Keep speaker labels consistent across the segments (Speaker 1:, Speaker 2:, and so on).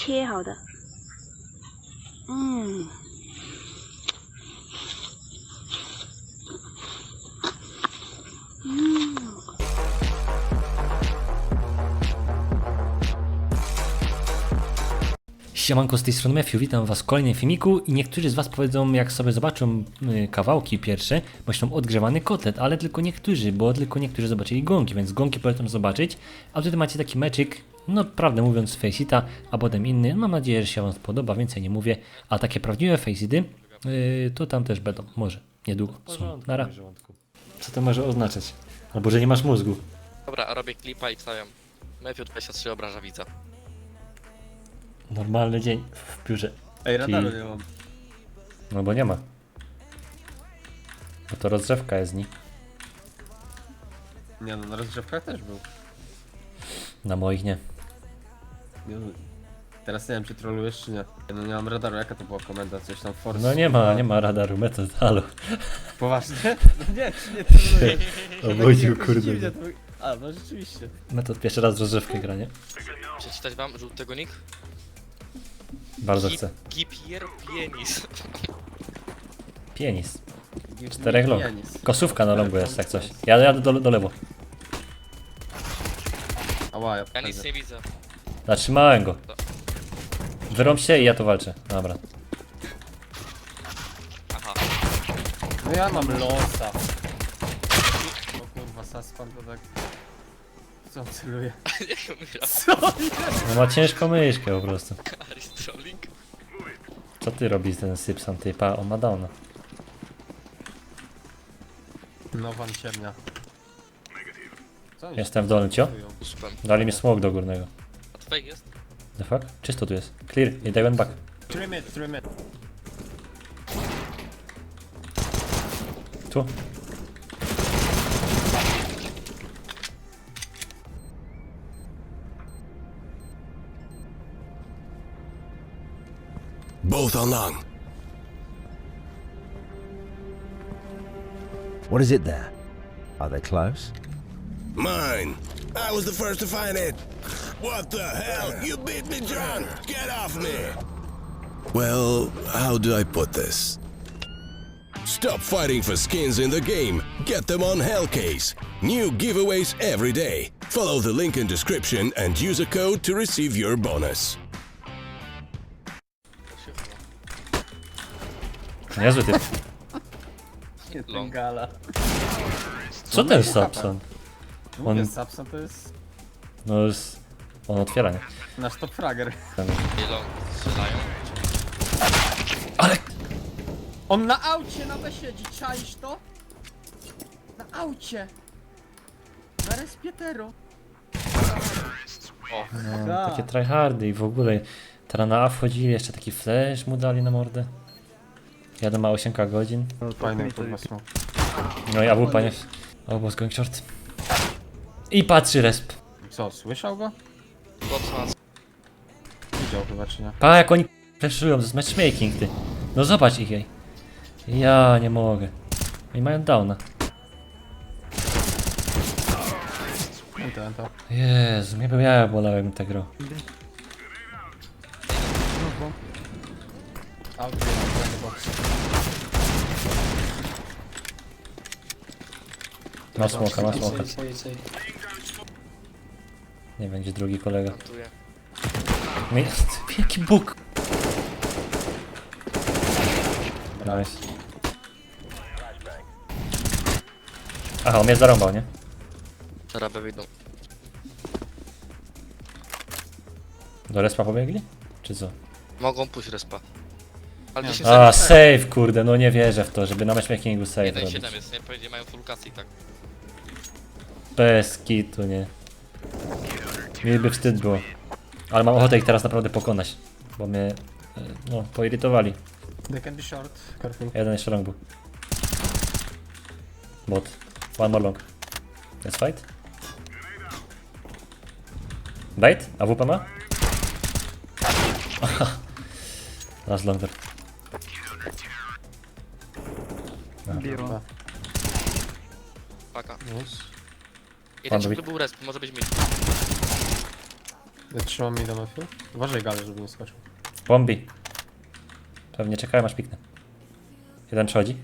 Speaker 1: 切好的。嗯。
Speaker 2: Siemanko, z tej strony Matthew, witam was w kolejnym filmiku i niektórzy z was powiedzą, jak sobie zobaczą kawałki pierwsze, myślą odgrzewany kotlet, ale tylko niektórzy, bo tylko niektórzy zobaczyli gonki, więc gonki polecam zobaczyć, a tutaj macie taki meczyk, no prawdę mówiąc Faceita, a potem inny, mam nadzieję, że się wam spodoba, więcej nie mówię, a takie prawdziwe Faceity, to tam też będą, może, niedługo, są, nara. Co to może oznaczać? Albo, że nie masz mózgu.
Speaker 3: Dobra, robię klipa i wstawiam. Matthew 23 obraża widza.
Speaker 2: Normalny dzień w biurze.
Speaker 4: Ej, radaru nie mam.
Speaker 2: No bo nie ma. Bo to rozgrzewka jest z nich.
Speaker 4: Nie no, na rozgrzewkach też był.
Speaker 2: Na moich nie.
Speaker 4: Nie, no, teraz nie wiem, czy trolujesz, czy nie. No nie mam radaru, jaka to była komenda? Coś tam force?
Speaker 2: No nie ma radaru, metod, halo.
Speaker 4: Poważnie? No nie, czy nie troluję.
Speaker 2: Obudził,
Speaker 4: Jakoś
Speaker 2: kurde.
Speaker 4: dziwnie to... A, no rzeczywiście.
Speaker 2: Metod pierwszy raz w rozgrzewkę gra, nie?
Speaker 3: Przeczytać wam żółtego nick?
Speaker 2: Bardzo chcę.
Speaker 3: Gipier Pienis.
Speaker 2: Pianis. 4 long.
Speaker 4: Pianis.
Speaker 2: Kosówka na longu jest, jak coś. Ja jadę do lewo.
Speaker 4: Ała, ja
Speaker 3: Ja nic
Speaker 4: podchodzę.
Speaker 3: nie widzę.
Speaker 2: Zatrzymałem go. Wyrąb się i ja to walczę. Dobra.
Speaker 3: Aha.
Speaker 4: No ja mam losa. O kurwa, Saspan to tak... Co on celuje?
Speaker 3: Jak umiera?
Speaker 4: Co?
Speaker 2: No ma ciężką myszkę po prostu.
Speaker 3: Aris trolling?
Speaker 2: Co ty robisz ten Sypson, ty? Pa, on ma downa.
Speaker 4: No wam ciemnia. Co oni
Speaker 2: Jestem w dolnym, cio.
Speaker 4: celują?
Speaker 3: Uspem.
Speaker 2: Dali mi smok do górnego.
Speaker 3: A to fake jest?
Speaker 2: The fuck? Czysto tu jest. Clear. I they went back.
Speaker 4: Trim it.
Speaker 2: Tu.
Speaker 5: Both are long.
Speaker 6: What is it there? Are they close?
Speaker 5: Mine. I was the first to find it. What the hell? You beat me drunk. Get off me. Well, how do I put this? Stop fighting for skins in the game. Get them on Hellcase. New giveaways every day. Follow the link in description and use a code to receive your bonus.
Speaker 2: Niezły typ.
Speaker 4: Nie, ten
Speaker 3: Long.
Speaker 4: gala.
Speaker 2: Co ten Sapson?
Speaker 4: Mówię,
Speaker 2: On-
Speaker 4: Sapson to jest
Speaker 2: No jest... On otwiera, nie?
Speaker 4: nasz top frager.
Speaker 3: I long strzelają.
Speaker 2: Ale...
Speaker 4: On na aucie na B siedzi, czaisz to? Na aucie! Na respietero.
Speaker 3: O,
Speaker 2: No, takie tryhardy i w ogóle. Teraz na A wchodzili, jeszcze taki flash mu dali na mordę. Jadę ma 8 godzin.
Speaker 4: Fajny kurwa są.
Speaker 2: No i AWP nie... Oh, was going short. I patrzy resp.
Speaker 4: Co, słyszał go?
Speaker 3: Botman.
Speaker 4: Widział chyba czy nie?
Speaker 2: Pa, jak oni flashują, to jest matchmaking, ty. No zobacz ich, jej. Ja nie mogę. Oni mają downa.
Speaker 4: To.
Speaker 2: Jezu, mnie by ja bolałem tak grał.
Speaker 4: Auto, box.
Speaker 2: Ma smoka, ma smoka. Nie wiem, gdzie drugi kolega.
Speaker 3: Plantuję.
Speaker 2: No i jaki bóg. Nice. Aha, on mnie zarąbał, nie?
Speaker 3: Teraz B wyjdą.
Speaker 2: Do respa pobiegli? Czy co?
Speaker 3: Mogą pójść respa. Ale 10
Speaker 2: A,
Speaker 3: sekund.
Speaker 2: save, kurde, no nie wierzę w to, żeby na matchmakingu save
Speaker 3: 1-7
Speaker 2: robić.
Speaker 3: jest, nie? Powiedzieli mają full casy, tak.
Speaker 2: Bez kitu, nie. Mi by wstyd było. Ale mam ochotę ich teraz naprawdę pokonać. Bo mnie, no, poirytowali.
Speaker 4: They can be short. Careful.
Speaker 2: Jeden jeszcze long był. Bot. One more long. Let's fight. Bait? AWP ma? Last longer.
Speaker 4: Chyba.
Speaker 3: Paka.
Speaker 4: Już.
Speaker 3: Jeden
Speaker 2: Pan
Speaker 3: ciągle był resp, może być mid.
Speaker 4: Ja trzymam mi do Matthew. Uważaj galę, żeby nie skoczył.
Speaker 2: Bombi. Pewnie czekają aż piknę. Jeden przechodzi.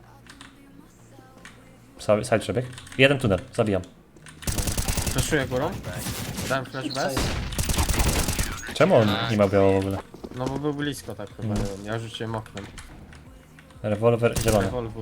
Speaker 2: Side przebieg. Jeden tunel, zabijam.
Speaker 4: Flashuję górą. Dałem flash bez.
Speaker 2: Czemu on nie ma biało w ogóle?
Speaker 4: No bo był blisko tak chyba, nie wiem. Ja rzuciłem oknem.
Speaker 2: Rewolwer zielony.
Speaker 4: Rewolwer.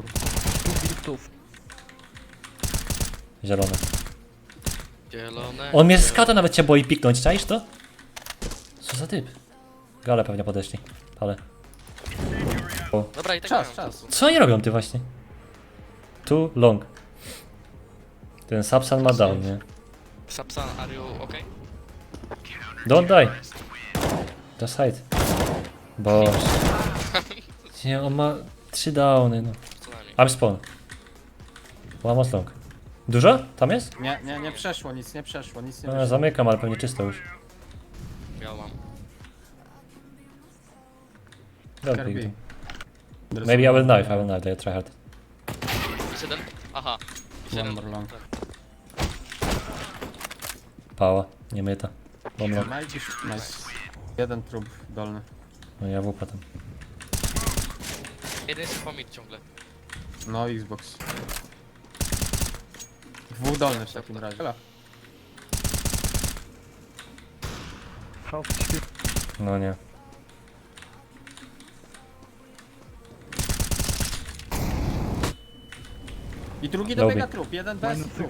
Speaker 2: Zielony.
Speaker 3: Zielone.
Speaker 2: On mnie z skata nawet cię boi piknąć, czaisz to? Co za typ? Gale pewnie podeszli. Ale. O.
Speaker 3: Dobra, i tak
Speaker 4: Czas,
Speaker 3: mają
Speaker 4: czas.
Speaker 3: czasu.
Speaker 2: Co oni robią ty właśnie? Too long. Ten Sapsan ma down, nie?
Speaker 3: Sapsan, are you okay?
Speaker 2: Don't die. Just hide. Boże. Nie, on ma 3 downy, no.
Speaker 3: Co najmniej.
Speaker 2: I'm spawn. One more long. Dużo? Tam jest?
Speaker 4: Nie przeszło, nic nie przeszło, nic nie
Speaker 2: No,
Speaker 4: wyszło.
Speaker 2: zamykam, ale pewnie czysto już.
Speaker 3: Biał mam.
Speaker 2: Don't
Speaker 4: Kirby.
Speaker 2: pick them. Maybe I will knife, they try hard.
Speaker 3: Jest jeden. Aha. Jest
Speaker 4: One
Speaker 3: jeden.
Speaker 4: more long.
Speaker 3: Tak.
Speaker 2: Pała, nie myta. Bomb long.
Speaker 4: Nice. Jeden trup dolny.
Speaker 2: No ja wupa tam.
Speaker 3: Jeden jest pomid ciągle.
Speaker 4: No Xbox. Dwóch dolnych w takim razie. Hela.
Speaker 2: No nie.
Speaker 4: I drugi
Speaker 2: Lobby.
Speaker 4: dobiega trup, jeden bez trup.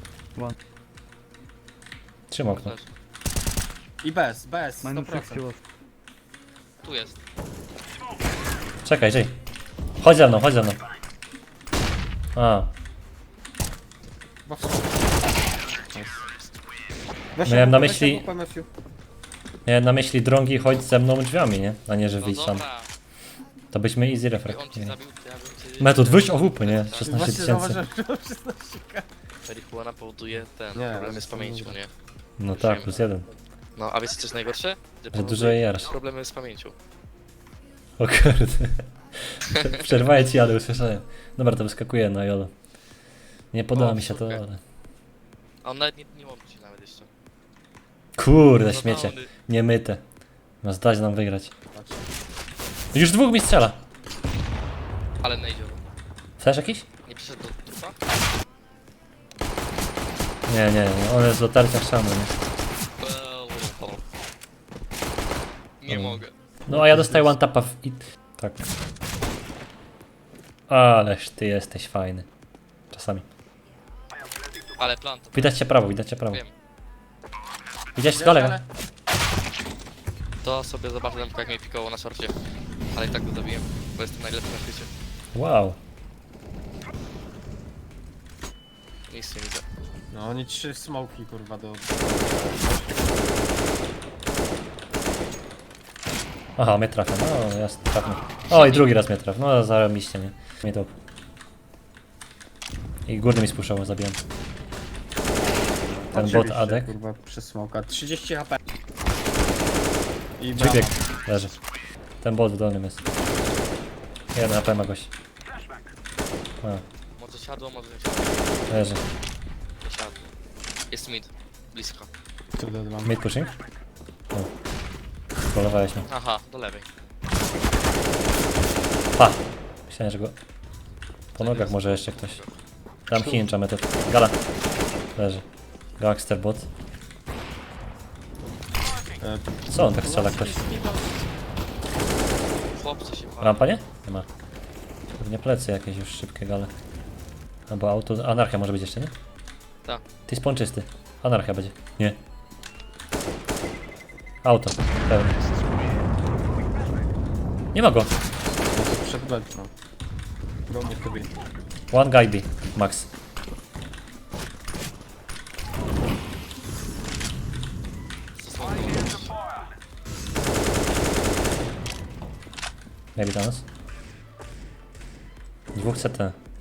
Speaker 2: Trzymam okno.
Speaker 3: Też.
Speaker 4: I bez, 100%.
Speaker 3: Tu jest.
Speaker 2: Czekaj, Jay. Chodź za mną, chodź za mną. A,
Speaker 4: Bo w sumie. Weź
Speaker 2: Miałem na
Speaker 4: weź
Speaker 2: myśli-
Speaker 4: AWP, Matthew.
Speaker 2: miałem na myśli drągi chodź ze mną drzwiami, nie? A nie, że
Speaker 3: No
Speaker 2: wyjdź sam.
Speaker 3: dobra.
Speaker 2: To byśmy easy
Speaker 3: I
Speaker 2: refrag.
Speaker 3: on cię zabił, to ja bym cię...
Speaker 2: Metod, wyjść OWP, nie?
Speaker 3: Tak.
Speaker 2: 16
Speaker 4: Właśnie
Speaker 2: tysięcy.
Speaker 4: zauważyłem, że to 16
Speaker 3: Marihuana powoduje ten
Speaker 4: Nie,
Speaker 3: problemy
Speaker 4: ale
Speaker 3: z pamięcią, nie?
Speaker 2: No tak, +1.
Speaker 3: No, a wiecie co jest najgorsze?
Speaker 2: Że
Speaker 3: powoduje
Speaker 2: dużo jarasz.
Speaker 3: problemy z pamięcią.
Speaker 2: O kurde. Przerwaję ci, ale usłyszałem. Dobra, to wyskakuje na jolo. Nie podoba
Speaker 3: O,
Speaker 2: mi się to,
Speaker 3: super.
Speaker 2: ale...
Speaker 3: A on nawet nie łączy nawet jeszcze.
Speaker 2: Kurde,
Speaker 3: No,
Speaker 2: śmiecie.
Speaker 3: downy.
Speaker 2: Nie myte. Ma zdać nam wygrać. Już dwóch mi strzela.
Speaker 3: Ale najdzie.
Speaker 2: Flash jakiś?
Speaker 3: Nie przyszedł do trupa?
Speaker 2: Nie, on jest do tarcia szamy, nie?
Speaker 3: Nie mogę.
Speaker 2: No a ja dostaję one tapa w... i... Tak. Ależ ty jesteś fajny. Czasami.
Speaker 3: Ale plan to
Speaker 2: Widać cię prawo, widać cię prawo.
Speaker 3: wiem.
Speaker 2: Widziałeś z kolega?
Speaker 3: To sobie zobaczę jak mnie pikowało na szorcie. Ale i tak go zabiłem, bo jestem najlepszy na świecie.
Speaker 2: Wow.
Speaker 3: Nic nie widzę.
Speaker 4: No oni 3 smoki kurwa do...
Speaker 2: Aha, mnie trafia. No, ja trafny. O, i drugi raz mnie trafił. No, zarobiście, nie? Mnie top. I górny mi spuszczał, zabijam. Ten bot
Speaker 4: Oczywiście,
Speaker 2: Adek.
Speaker 4: kurwa przez smoka. 30 HP. I
Speaker 2: Dźwięk
Speaker 4: brawo.
Speaker 2: leży. Ten bot w dolnym jest. Jeden HP ma gość. A,
Speaker 3: Może siadło, może nie siadło.
Speaker 2: leży.
Speaker 3: Nie siadło. Jest mid. Blisko.
Speaker 4: Kurde, mam.
Speaker 2: Mid pushing? O. Polowałeś mnie.
Speaker 3: Aha, do lewej.
Speaker 2: Pa! Myślałem, że go... Po nogach może jeszcze ktoś. Dam hinge, metod. Gala. Leży. Gangster bot. Co on tak strzela ktoś?
Speaker 3: Chłopcy się pali.
Speaker 2: Rampa nie? Nie ma. Pewnie plecy jakieś już szybkie gale. Albo auto. Anarchia może być jeszcze, nie?
Speaker 3: Tak.
Speaker 2: Ty spawn czysty. Anarchia będzie. Nie. Auto. Pełny. Nie ma go.
Speaker 4: Przed bedną. Go mnie to bije.
Speaker 2: One guy B. Max. Maybe Thanos. Dwóch CT.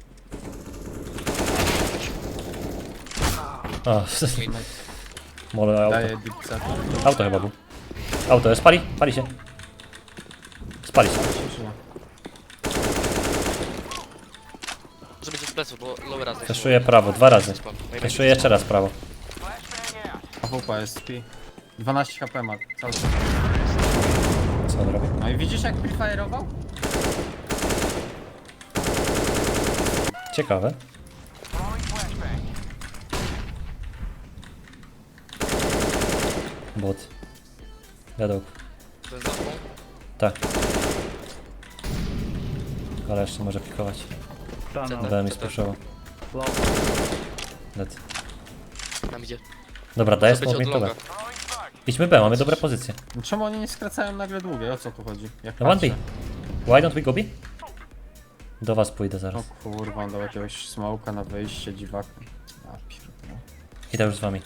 Speaker 2: O, mole auto.
Speaker 4: Daję deep set.
Speaker 2: Auto chyba był. Auto jest. Pali się. Spali się.
Speaker 4: Cieszyna.
Speaker 3: Może być z pleców, bo lowy raz.
Speaker 2: Feszuję prawo, 2 razy. Feszuję jeszcze raz prawo.
Speaker 4: AWP jest P. 12 HP ma, cały czas.
Speaker 2: Co on robi?
Speaker 4: No i widzisz jak prefire'ował?
Speaker 2: Ciekawe. Bot. Wiadomo.
Speaker 3: To jest zamką.
Speaker 2: Tak. Ale jeszcze może pikować. B mi spuszował. Dead.
Speaker 3: Nam idzie.
Speaker 2: Dobra, daję
Speaker 3: Może być
Speaker 2: smoke
Speaker 3: od
Speaker 2: mi to B.
Speaker 3: longa.
Speaker 2: Idźmy B, mamy dobre pozycje.
Speaker 4: No czemu oni nie skracają nagle długie? O co tu chodzi? Jak
Speaker 2: No one B.
Speaker 4: patrzę.
Speaker 2: Why don't we go B? Do was pójdę
Speaker 4: O
Speaker 2: zaraz.
Speaker 4: kurwa, on dał jakiegoś smoka na wyjście, dziwaku. A pierdolę.
Speaker 2: Idę już z wami.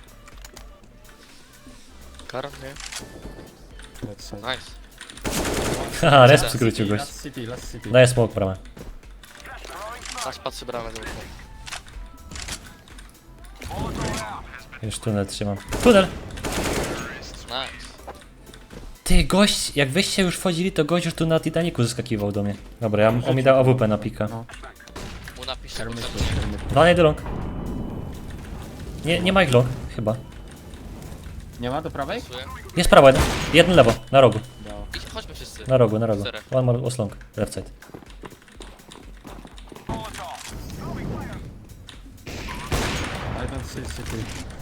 Speaker 3: Karam, nie?
Speaker 4: Lecę.
Speaker 3: Nice.
Speaker 2: Haha, resp
Speaker 3: Last
Speaker 2: skrócił gość.
Speaker 4: Last city, last city.
Speaker 2: Daję smoke bramę.
Speaker 3: Aż patrzy bramę za okno.
Speaker 2: Już tunel trzymam. Tunel!
Speaker 3: Nice.
Speaker 2: Ty, gość, jak wyście już wchodzili, to gość już tu na Titanicu zeskakiwał do mnie. Dobra, on mi dał AWP na pika.
Speaker 4: No.
Speaker 3: Mu napisz,
Speaker 4: Termity,
Speaker 3: że
Speaker 4: termity.
Speaker 2: Dwa do long. Nie ma ich long, chyba.
Speaker 4: Nie ma do prawej?
Speaker 3: pasuje.
Speaker 2: Jest prawo jeden. Jeden lewo, na rogu.
Speaker 4: Dało.
Speaker 3: Idź, chodźmy wszyscy.
Speaker 2: Na rogu, na rogu.
Speaker 3: Zero.
Speaker 2: One more was long. Left side.
Speaker 4: I don't see city.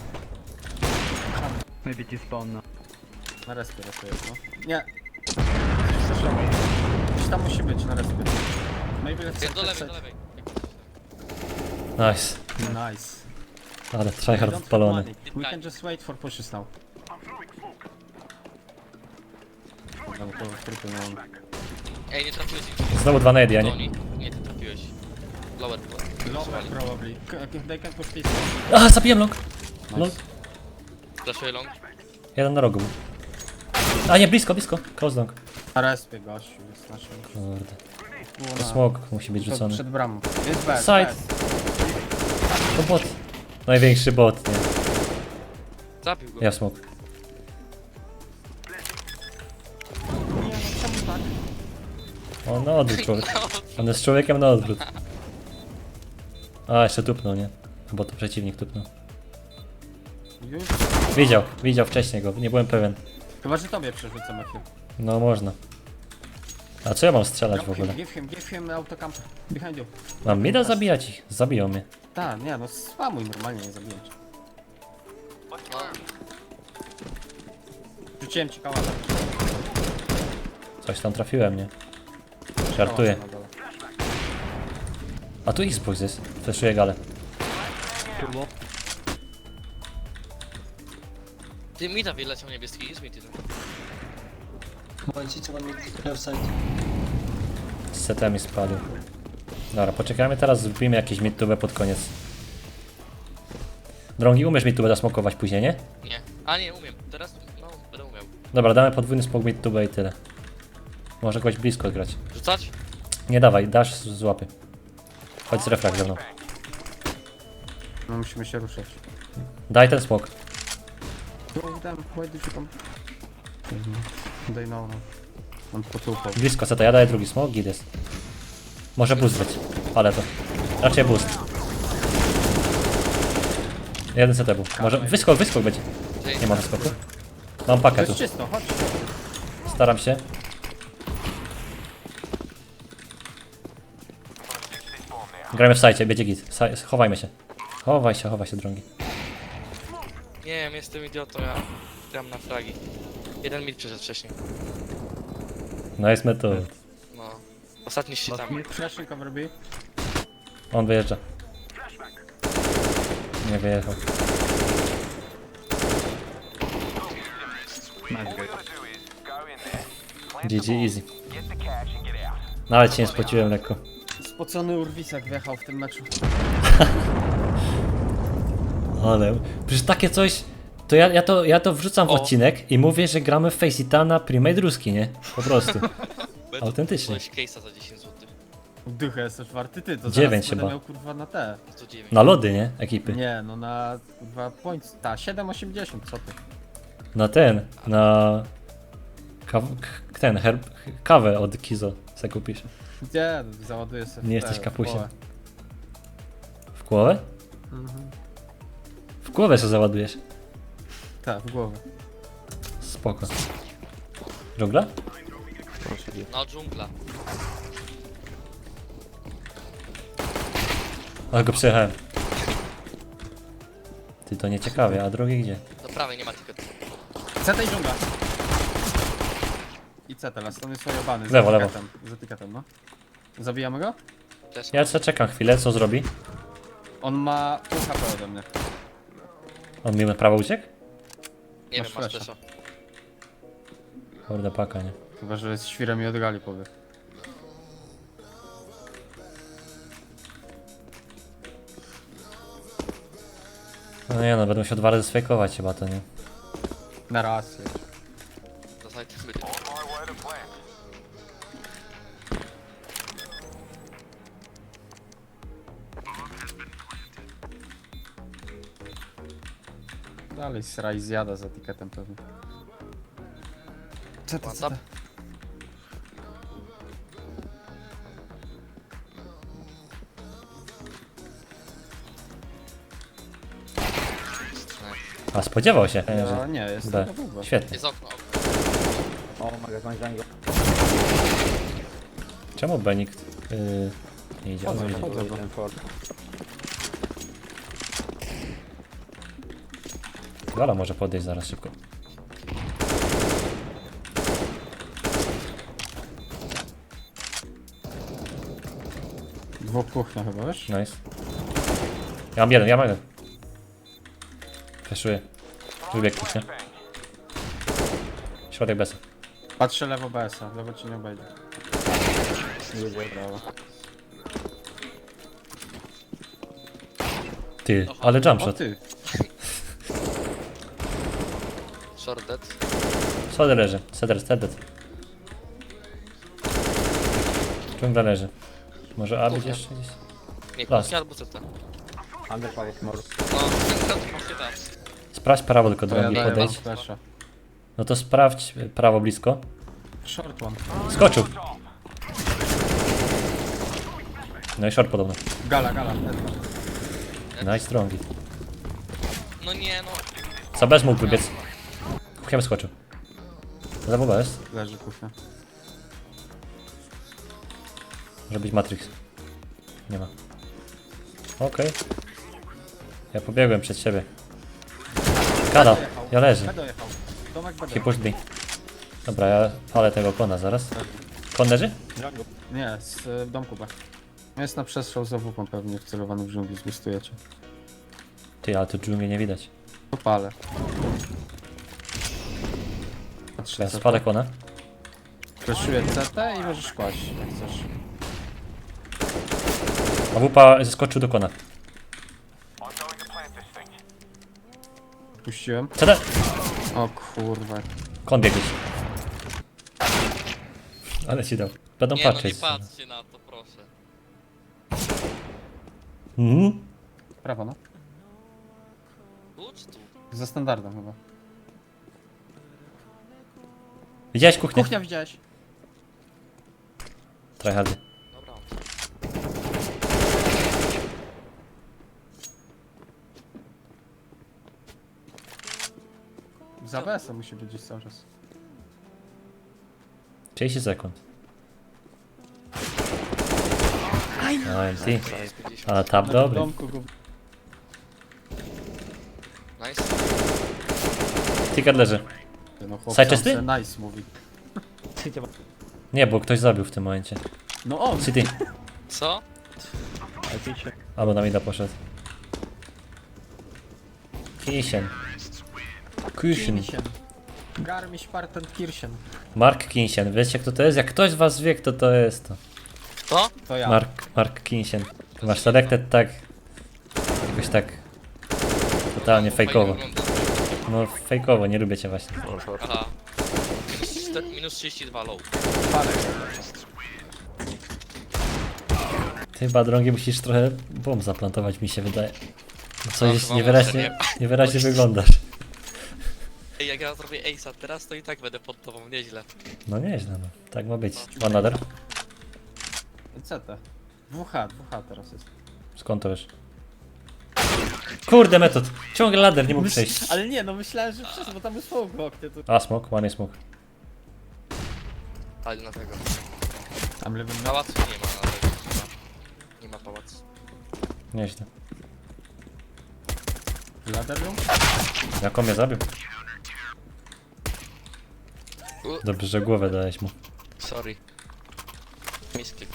Speaker 1: Maybe despawn now.
Speaker 4: Na respie raczej jest, no. Nie. Gdzieś tam musi być na respie. Maybe let's
Speaker 3: Jest do lewej,
Speaker 4: set.
Speaker 3: do lewej.
Speaker 2: Nice.
Speaker 4: Nice.
Speaker 2: Ale
Speaker 4: We
Speaker 2: tryhard
Speaker 4: don't have
Speaker 2: odpalony.
Speaker 4: money. We can just wait for pushes now. Tam to trupy mam.
Speaker 3: Ej, nie trafiłeś ich.
Speaker 2: Znowu dwa nady, a nie?
Speaker 3: Tony. Nie, ty trafiłeś. Lower było.
Speaker 4: Lower probably. They can push this.
Speaker 2: A, zabiłem long. Long.
Speaker 4: Nice.
Speaker 3: Flashuję long.
Speaker 2: Jeden na rogu był. A nie, blisko, blisko. Close long.
Speaker 4: Na respie gościu jest naszym.
Speaker 2: Kurde.
Speaker 4: Było
Speaker 2: To
Speaker 4: na-
Speaker 2: smok musi być
Speaker 4: to
Speaker 2: rzucony.
Speaker 4: przed bramą. Jest bez.
Speaker 2: Side. To bot. Największy bot, nie?
Speaker 3: Zabił go.
Speaker 2: Ja w smok.
Speaker 4: Nie, no czemu tak?
Speaker 2: On na odwrót człowiek. On jest człowiekiem na odwrót. A, jeszcze tupnął, nie? Bo to przeciwnik tupnął.
Speaker 4: Już?
Speaker 2: Widział wcześniej go, nie byłem pewien.
Speaker 4: Chyba, że tobie przerzucę Matthew.
Speaker 2: No można. A co ja mam strzelać w ogóle?
Speaker 4: Give him autocamp. Behind you.
Speaker 2: Mam mida zabijać ich? Zabiją mnie.
Speaker 4: Tak, nie no, spamuj normalnie, nie zabiję cię.
Speaker 3: No.
Speaker 4: Rzuciłem ci kałana.
Speaker 2: Coś tam trafiłem, nie? Żartuję.
Speaker 4: Na dole.
Speaker 2: A tu Xbox jest. Fleszuję galę.
Speaker 3: Ty mi da wyleciał niebieski, jest mi ty.
Speaker 2: Z setami spadł. Dobra, poczekajmy teraz, zrobimy jakieś midtube pod koniec. Drągi, umiesz midtube zasmokować później, nie?
Speaker 3: Nie. A nie, umiem. Teraz, no, będę umiał.
Speaker 2: Dobra, damy podwójny smok midtube i tyle. Może kogoś blisko grać.
Speaker 3: Rzucać?
Speaker 2: Nie dawaj, dasz z łapy. Chodź z refleks ze mną.
Speaker 4: No musimy się ruszać.
Speaker 2: Daj ten smok.
Speaker 4: Go them, why did you come? They know now. On potłupał.
Speaker 2: Blisko seta, ja daję drugi smok, git jest. Może boost być, ale to. Raczej boost. Jeden CT był. Może wyskok będzie. Nie ma wyskoku. Mam
Speaker 4: To
Speaker 2: pakę
Speaker 4: jest
Speaker 2: tu.
Speaker 4: czysto, chodź.
Speaker 2: Staram się. Gramy w sajcie, będzie git. Chowajmy się. Chowaj się, drągi.
Speaker 3: Nie wiem, jestem idiotą, ja gram na fragi. Jeden mid przyszedł wcześniej.
Speaker 2: Nice metod.
Speaker 3: No. Ostatni szczytami.
Speaker 4: Flashing cover B.
Speaker 2: On wyjeżdża. Nie wyjechał.
Speaker 1: Nice guy.
Speaker 2: GG easy. Nawet się nie spociłem lekko.
Speaker 4: Spocony Urwisek wjechał w tym meczu.
Speaker 2: Ale przecież takie coś. To ja to wrzucam w
Speaker 3: O.
Speaker 2: odcinek i mówię, że gramy w Faceitana Primate Ruski, nie? Po prostu.
Speaker 3: Będę
Speaker 2: Autentycznie.
Speaker 3: kupować case'a za 10 zł.
Speaker 4: Dychę jesteś warty ty, to
Speaker 2: 9
Speaker 4: zaraz
Speaker 2: chyba.
Speaker 4: będę miał kurwa na te.
Speaker 3: 109.
Speaker 2: Na lody, nie? Ekipy.
Speaker 4: Nie, no na kurwa points. Ta, 7,80, co ty?
Speaker 2: Na ten, na... Kawę od Kizo se kupisz.
Speaker 4: Gdzie? Załaduję sobie.
Speaker 2: Nie
Speaker 4: w
Speaker 2: jesteś
Speaker 4: te,
Speaker 2: kapusiem.
Speaker 4: w
Speaker 2: W głowę?
Speaker 4: Mhm.
Speaker 2: W głowę se załadujesz.
Speaker 4: Tak, w głowę.
Speaker 2: spoko. Dżungla?
Speaker 3: No, dżungla.
Speaker 2: Ale go przejechałem. Ty to nieciekawie, a drugi gdzie?
Speaker 3: Do prawej nie ma tylko.
Speaker 4: CT i dżungla. I CT, las, on jest ojebany.
Speaker 2: Lewo, lewo.
Speaker 4: Z etykietem, no. Zabijamy go?
Speaker 3: Też.
Speaker 2: Ja jeszcze czekam chwilę, co zrobi?
Speaker 4: On ma pół HP ode mnie.
Speaker 2: On mi na prawo uciekł?
Speaker 3: Nie
Speaker 4: masz
Speaker 3: wiem, masz
Speaker 4: flasha.
Speaker 3: też.
Speaker 2: Kurde paka, nie?
Speaker 4: Chyba, że jest świrem i od gali powie.
Speaker 2: No nie no, będą się 2 razy sfejkować chyba to, nie?
Speaker 4: Na raz jest.
Speaker 3: To sobie też będzie.
Speaker 4: Dalej sraj zjada z etykietem pewnie. CT,
Speaker 3: One tap.
Speaker 2: A spodziewał się,
Speaker 4: Ja
Speaker 2: że...
Speaker 4: nie, jest
Speaker 2: B.
Speaker 4: tylko długo.
Speaker 2: Świetnie.
Speaker 3: Jest okno.
Speaker 2: Czemu B nikt nie idzie?
Speaker 4: Chodzę,
Speaker 2: O, idzie.
Speaker 4: chodzę, bo...
Speaker 2: Gala może podejść zaraz szybko.
Speaker 4: Dwóch kuchnia chyba, wiesz?
Speaker 2: Nice. Ja mam jeden. Feszuję. Wybieg kuchnia. Środek bez.
Speaker 4: Patrzę lewo BS-a, lewo ci nie obejdzie. Brawo.
Speaker 2: Ty, ale jump
Speaker 4: O
Speaker 2: shot.
Speaker 4: ty!
Speaker 3: Short dead.
Speaker 2: Sody leży. Cedar. Dżungla leży. Może A być
Speaker 3: Kuchnia.
Speaker 2: jeszcze gdzieś?
Speaker 3: Nie,
Speaker 2: Las.
Speaker 3: kuchnia albo CT. No, ten masz tam.
Speaker 2: Sprawdź prawo tylko
Speaker 4: To ja
Speaker 2: drogi
Speaker 4: daję wam
Speaker 2: podejść.
Speaker 4: flasha.
Speaker 2: No to sprawdź prawo blisko.
Speaker 4: Short one.
Speaker 2: Skoczył. No i short podobno.
Speaker 4: Gala.
Speaker 2: Nice strongi.
Speaker 3: No nie, no.
Speaker 2: Co bez mógł wybiec. Kuchnia skoczył. Zawoła jest.
Speaker 4: Leży kuchnia.
Speaker 2: Może być Matrix. Nie ma. Okej. Ja pobiegłem przed siebie. Kada, ja leżę.
Speaker 4: B dojechał. Domek B
Speaker 2: He pushed me. Dobra, ja palę tego kona zaraz. Kon leży?
Speaker 4: Nie, z domku B. Jest na przestrzał za WP pewnie wcelowany w dżungli, zbustujecie.
Speaker 2: Ty, ale tu dżungli nie widać.
Speaker 4: To palę. Patrzę
Speaker 2: Ja
Speaker 4: CT.
Speaker 2: spalę kona.
Speaker 4: Freshuję CT i możesz kłaść, jak chcesz.
Speaker 2: A wupa zeskoczył do kona.
Speaker 4: Puściłem.
Speaker 2: CD!
Speaker 4: O kurwa.
Speaker 2: Kon biegł. Ale ci dał. Będą
Speaker 3: Nie, no nie
Speaker 2: patrzeć.
Speaker 3: patrzcie na to, proszę.
Speaker 2: Mhm.
Speaker 4: Prawo no.
Speaker 3: Tu czy tu?
Speaker 4: Za standardem chyba.
Speaker 2: Widziałeś kuchnię?
Speaker 4: Kuchnia widziałeś?
Speaker 2: Tryhardy.
Speaker 3: Dobra.
Speaker 4: Za BS-a musi być gdzieś cały czas.
Speaker 2: 30 sekund. No, MT. Ale tap
Speaker 4: W
Speaker 2: dobry.
Speaker 4: domku go...
Speaker 3: Nice.
Speaker 2: Ticket leży.
Speaker 4: No
Speaker 2: Side czysty?
Speaker 4: chłopca nice mówi.
Speaker 2: Nie, bo ktoś zabił w tym momencie.
Speaker 4: No on!
Speaker 2: City.
Speaker 3: Co?
Speaker 2: Albo na mida poszedł. Kisien.
Speaker 4: Kirchen. Garmisch-Partenkirchen.
Speaker 2: Mark Kinsien. Wiecie kto to jest? Jak ktoś z was wie kto to jest to.
Speaker 3: To?
Speaker 4: To ja.
Speaker 2: Mark Kinsien. Ty masz selected tak... Jakoś tak... Totalnie fejkowo.
Speaker 3: Fajnie wygląda.
Speaker 2: No fejkowo, nie lubię cię właśnie.
Speaker 3: Aha. Minus 32 low.
Speaker 4: Palę.
Speaker 2: Ty chyba drągi musisz trochę bomb zaplantować mi się wydaje. No
Speaker 3: No,
Speaker 2: coś
Speaker 3: chyba
Speaker 2: niewyraźnie,
Speaker 3: muszę,
Speaker 2: niewyraźnie wyglądasz.
Speaker 3: Ej, jak ja zrobię ace'a teraz, to i tak będę pod tobą, nieźle.
Speaker 2: No nieźle no. Tak ma być. One other?
Speaker 4: CT. 2H teraz jest.
Speaker 2: Skąd to wiesz? Kurde, metod. Ciągle lader, nie mógł przejść.
Speaker 4: Ale nie, no myślałem, że przez, bo tam jest smoke w oknie. Tu.
Speaker 2: A, smok, ładny smok.
Speaker 3: Ale na tego.
Speaker 4: Tam lewym na...
Speaker 3: Pałacu nie ma na tego. Nie ma pałacu.
Speaker 2: Nieźle.
Speaker 4: Ladder room?
Speaker 2: Jak on mnie zabił? Dobrze, że głowę dałeś mu.
Speaker 3: Sorry. Misklik.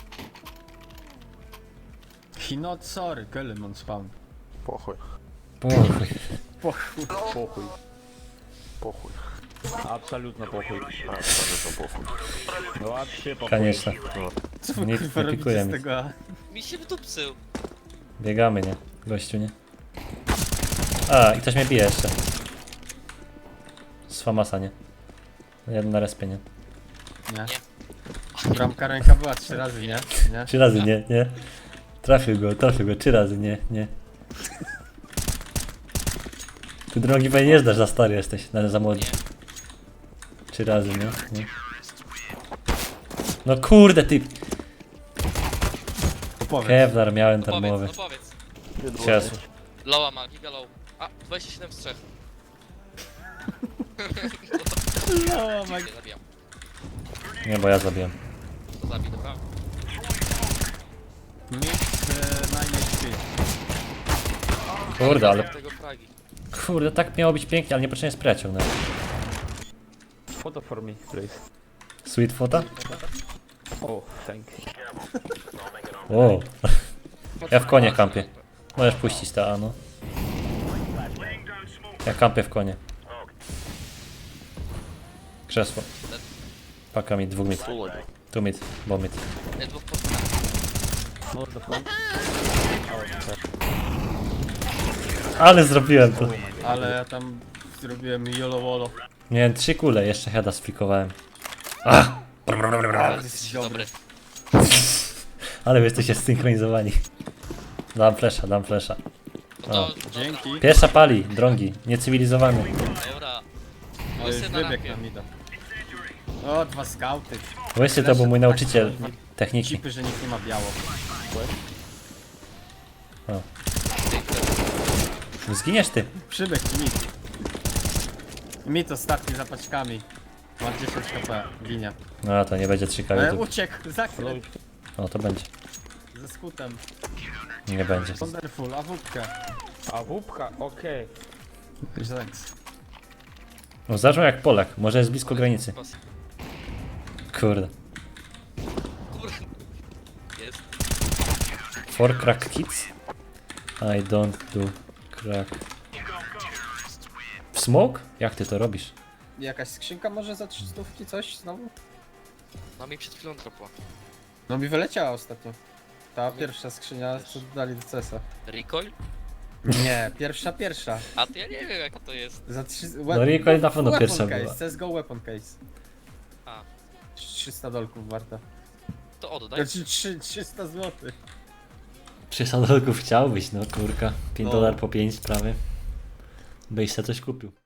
Speaker 4: He not sorry, Köln on spawn.
Speaker 1: Похуй,
Speaker 2: Pochuj.
Speaker 4: Pochuj.
Speaker 1: похуй. Похуй. Абсолютно похуй. Абсолютно похуй. Ну вообще похуй.
Speaker 2: Конечно.
Speaker 4: Co wy
Speaker 2: Nie-
Speaker 4: kurwa
Speaker 2: nie
Speaker 4: robicie
Speaker 2: pikuje
Speaker 4: z
Speaker 2: mnie.
Speaker 4: tego?
Speaker 3: Mi się wdupcył.
Speaker 2: Biegamy, nie? Gościu, nie? A, i ktoś mnie bije jeszcze. Z Famasa, nie? Jeden na respie, nie?
Speaker 4: Nie.
Speaker 3: Nie.
Speaker 4: Bramka ręka była 3 razy, nie? Nie?
Speaker 2: 3 razy, nie, nie. Trafił go, 3 razy, nie, nie. Ty drogi pewnie nie zdasz, za stary jesteś, za młody.
Speaker 3: Nie.
Speaker 2: 3 razy, nie? Nie. No kurde, ty!
Speaker 4: Opowiedz.
Speaker 2: Kevlar miałem
Speaker 3: No
Speaker 2: darmowy.
Speaker 3: powiedz, no powiedz.
Speaker 2: Jezu.
Speaker 3: Loa ma, giga low. A, 27 z 3.
Speaker 4: No, my...
Speaker 3: Nie zabijam.
Speaker 2: Nie, bo ja zabiłem.
Speaker 3: To zabij, dobra?
Speaker 4: Mix 9 HP.
Speaker 2: Kurde, ale...
Speaker 3: Tego fragi.
Speaker 2: Kurde, tak miało być pięknie, ale niepotrzebnie spray ciągnąłem.
Speaker 1: Photo for me, please.
Speaker 2: Sweet fota?
Speaker 1: Oh, thank you.
Speaker 2: O. Ja w konie kampię. Możesz puścić ta, no. Ja kampię w konie. Krzesło. Paka mid, 2 mid. Tu mid, bo mid.
Speaker 3: Nie, dwóch po...
Speaker 1: More the front.
Speaker 2: Ale zrobiłem to.
Speaker 4: Ale ja tam zrobiłem yolo wolo.
Speaker 2: Miałem 3 kule, jeszcze heada sflikowałem.
Speaker 4: Ale jesteś dobry.
Speaker 3: Dobry.
Speaker 2: Ale wy jesteście zsynchronizowani. Dam flesza.
Speaker 3: No to,
Speaker 4: Dzięki.
Speaker 2: Pierwsza pali, drągi, niecywilizowany.
Speaker 3: dobra.
Speaker 4: O, już
Speaker 3: Łysy na
Speaker 4: wybieg
Speaker 3: rampie.
Speaker 4: na mida. O, 2 skauty.
Speaker 2: Łysy to był mój nauczyciel techniki.
Speaker 4: Cipy, że nikt nie ma biało.
Speaker 2: Zginiesz ty.
Speaker 4: Przybieg mit. Mit ostatni za paczkami. Ma 10 HP, ginie.
Speaker 2: No to nie będzie 3 YouTube.
Speaker 4: Uciekł, zakręt.
Speaker 2: No to będzie.
Speaker 4: Ze skutem.
Speaker 2: Nie będzie.
Speaker 4: Wonderful, awupkę.
Speaker 1: A wupka, okej.
Speaker 4: Thanks.
Speaker 2: No zaczął jak Polak, może jest blisko granicy. Kurde.
Speaker 3: Kurde. Jest.
Speaker 2: For crack kids? I don't do crack. W smoke? Jak ty to robisz?
Speaker 4: Jakaś skrzynka może za 300 coś znowu?
Speaker 3: No mi przed chwilą dropła.
Speaker 4: No mi wyleciała ostatnio. Ta pierwsza skrzynia, co dali do CS-a.
Speaker 3: Recoil?
Speaker 4: Nie, pierwsza.
Speaker 3: A to ja nie wiem jaka to jest.
Speaker 4: Za 3...
Speaker 2: No recoil na pewno pierwsza
Speaker 4: case,
Speaker 2: była.
Speaker 4: CSGO weapon case.
Speaker 3: A.
Speaker 4: 300 dolków warta.
Speaker 3: To oddaj.
Speaker 4: Znaczy 300 zł.
Speaker 2: 300 dolków chciałbyś, no kurka. $5
Speaker 4: No.
Speaker 2: po 5 prawie. Byś se coś kupił.